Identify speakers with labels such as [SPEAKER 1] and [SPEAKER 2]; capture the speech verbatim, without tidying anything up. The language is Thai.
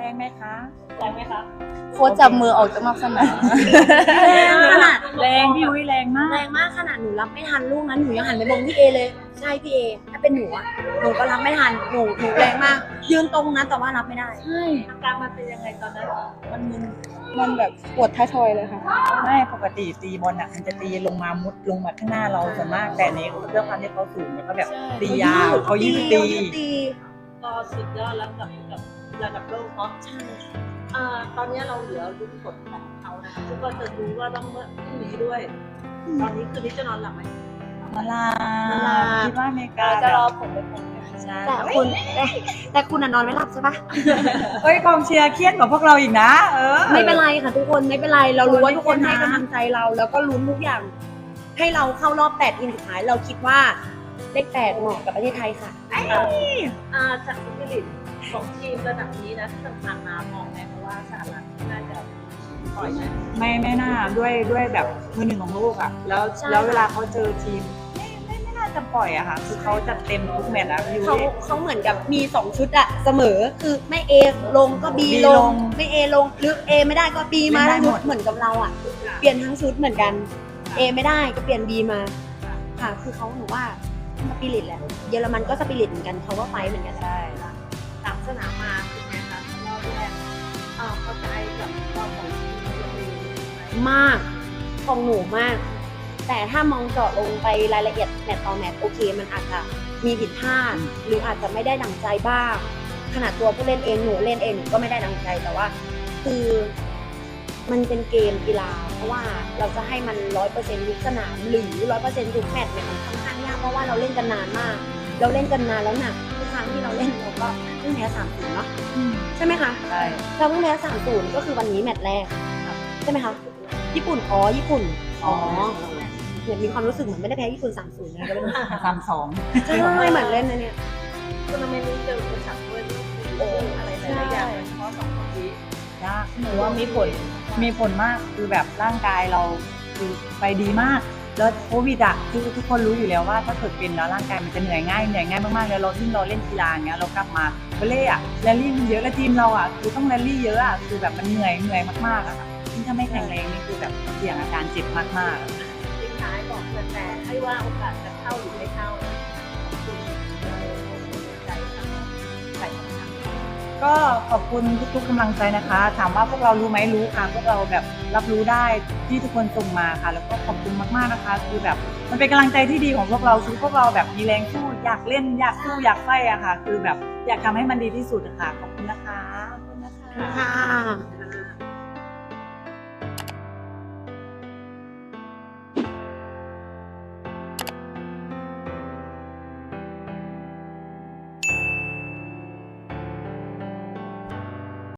[SPEAKER 1] รงไหมคะแรงไหมคะ
[SPEAKER 2] โค้ชจับมือออกจากนอกสนาม
[SPEAKER 3] ขนาด
[SPEAKER 1] แรงพี่อุ้ยแรงมาก
[SPEAKER 3] แรงมากขนาดหนูรับไม่ทันลูกนั้นหนูยังหันไปมองพี่เอเลยใช่พี่เอถ้าเป็นหนูอะหนูก็รับไม่ทันหนูหนูแรงมาก ยืนตรงนั้นแต่ว่ารับไม่ได้
[SPEAKER 2] ใช่
[SPEAKER 1] อาการมันเป็นยังไงตอนนั้นมันมึน
[SPEAKER 2] มันแบบปวดท้ายทอยเลยค่ะ
[SPEAKER 1] ไม่ปกติตีบอลอ่ะมันจะตีลงมามุดลงมาข้างหน้าเราส่วนมากแต่อันนี้เรื่องความที่เขาสูงแล้วก็แบบตียาวเขายืดตี
[SPEAKER 3] ตี
[SPEAKER 4] ก็สุดยอดแล้วกับกับระดับโลกเนาะ
[SPEAKER 3] ใช่
[SPEAKER 4] อ่าตอนนี้เราเหลือลุ้นผลของเขานะคะซึ่งก็จะรู้ว่าต้องเมื่อพรุ่งนี้ด้วย ตอนนี้คืนนี้จะนอนหลับไหม
[SPEAKER 1] มาลาคิดว่าอเมริกา
[SPEAKER 2] จะรอผลไปผล
[SPEAKER 1] ใช่
[SPEAKER 3] แต่คุณแต่แต่คุณอะนอนไม่หลับใช่ปะ
[SPEAKER 1] เฮ้ยกองเชียร์เครียดกว่าพวกเราอีกนะเออ
[SPEAKER 3] ไม่เป็นไรค่ะทุกคนไม่เป็นไรเรารู้ว่าทุกคน
[SPEAKER 1] ทุกคน
[SPEAKER 3] ให้กำลังใจเรา แล้วก็ลุ้นทุกอย่าง ให้เราเข้ารอบแปดทีมสุดท้ายเราคิดว่าเลขแปดเหมาะกับประเทศไทยค่ะ
[SPEAKER 4] อ่าจากสปิริตของทีมระดับนี้นะที่ผ่านมามองไหมเพราะว่าสหรัฐน่าจะปล่อยไหม
[SPEAKER 1] ไม่ไม่น่าด้วยด้วยแบบมือหนึ่งของโลกอ่ะแล้ว
[SPEAKER 3] ใช่
[SPEAKER 1] แล้วเวลาเขาเจอทีมไม่ไม่ไม่น่าจะปล่อยอะค่ะคือเขาจัดเต็มทุกแมตช์อะพี่
[SPEAKER 3] เขา
[SPEAKER 1] วิ
[SPEAKER 3] เขาเหมือนกับมีสองชุดอะเสมอคือไม่ A ลงก็ B
[SPEAKER 1] B
[SPEAKER 3] ล
[SPEAKER 1] ล
[SPEAKER 3] ง
[SPEAKER 1] ง
[SPEAKER 3] ไม่ A ลงหรือ A ไม่ได้ก็ B มา
[SPEAKER 1] เล่นได้
[SPEAKER 3] ทั้ง
[SPEAKER 1] หม
[SPEAKER 3] ชุ
[SPEAKER 1] ด
[SPEAKER 3] ดเหมือนกับเราอะเปลี่ยนทั้งชุดเหมือนกัน A ไม่ได้ก็เปลี่ยน B มาค่ะคือเขาหนูว่าสปิริตแหละเยอรมันก็สปิริตเหมือนกันเขาก็ไฟท์เหมือนกัน
[SPEAKER 1] ใช่
[SPEAKER 4] สามสนามมาเป็นไงคะรอบแรกอ่าเข้าใจกับความของทีมเราเองไหม
[SPEAKER 3] มากของหนูมาก แต่ถ้ามองเจาะลงไปรายละเอียดแมตต์ต่อแมตต์โอเค มันอาจจะมีผิดพลาดหรืออาจจะไม่ได้ดังใจบ้างขนาดตัวผู้เล่นเองหนูเล่นเองหนูก็ไม่ได้ดังใจแต่ว่า คือมันเป็นเกมกีฬา เพราะว่าเราจะให้มันร้อยเปอร์เซ็นต์ทุกสนามหรือร้อยเปอร์เซ็นต์ทุกแมตช์เนี่ยมันค่อนข้างยากเพราะว่าเราเล่นกันนานมาก เราเล่นกันนานแล้วหนักทุกครั้งที่เราเล่นเราก็เพิ่งแพ้สามศูนย์เนาะใช่ไหมคะ
[SPEAKER 1] ใช่
[SPEAKER 3] เราเพิ่งแพ้สามศูนย์ก็คือวันนี้แมตช์แรกใช่ไหมคะญี่ปุ่นอ๋อญี่ปุ่นอ๋อเหมือนมีความรู้สึกเหมือนไม่ได้แพ้ญี่ปุ่นสามศูนย์นะก็ไม่รู้
[SPEAKER 1] สามสอง
[SPEAKER 3] ใช่เหมือนเล่นนะเนี่ย
[SPEAKER 4] ทัวร์นาเมนต์นี้เจออุปสรรคด้วยโอ้อะไรหลายๆอย่างโดยเฉพาะสองคนนี้
[SPEAKER 1] ยากหนูว่ามีผลมีผลมากคือแบบร่างกายเราคือไปดีมากแล้วโควิดอะทุกทุกคนรู้อยู่แล้วว่าถ้าเกิดเป็นแล้วร่างกายมันจะเหนื่อยง่ายเหนื่อยง่ายมากๆแล้วเราที่เราเล่นกีฬาอย่างเงี้ยเรากลับมาเบเล่อะแรลลี่มันเยอะแล้วทีมเราอะคือต้องแรลลี่เยอะอะคือแบบมันเหนื่อยเหนื่อยมากๆอะค่ะยิ่งถ้าไม่แข็งแรงนี่คือแบบเสี่ยงอาการเจ็บมากๆ
[SPEAKER 4] ทิ้งท้ายบอกแฟนๆให้ว่าโอกาสจะเข้าหรือไม่เข้าคุณใจทำใจทำ
[SPEAKER 1] ก็ขอบคุณทุกๆกำลังใจนะคะ ถามว่าพวกเรารู้ไหมรู้ค่ะพวกเราแบบรับรู้ได้ที่ทุกคนส่งมาค่ะ แล้วก็ขอบคุณมากๆนะคะ คือแบบมันเป็นกำลังใจที่ดีของพวกเราคือพวกเราแบบมีแรงสู้อยากเล่นอยากสู้อยากไฟอะค่ะ คือแบบอยากทำให้มันดีที่สุดอะค่ะขอบคุณนะคะขอบคุณนะคะ
[SPEAKER 3] ค่ะ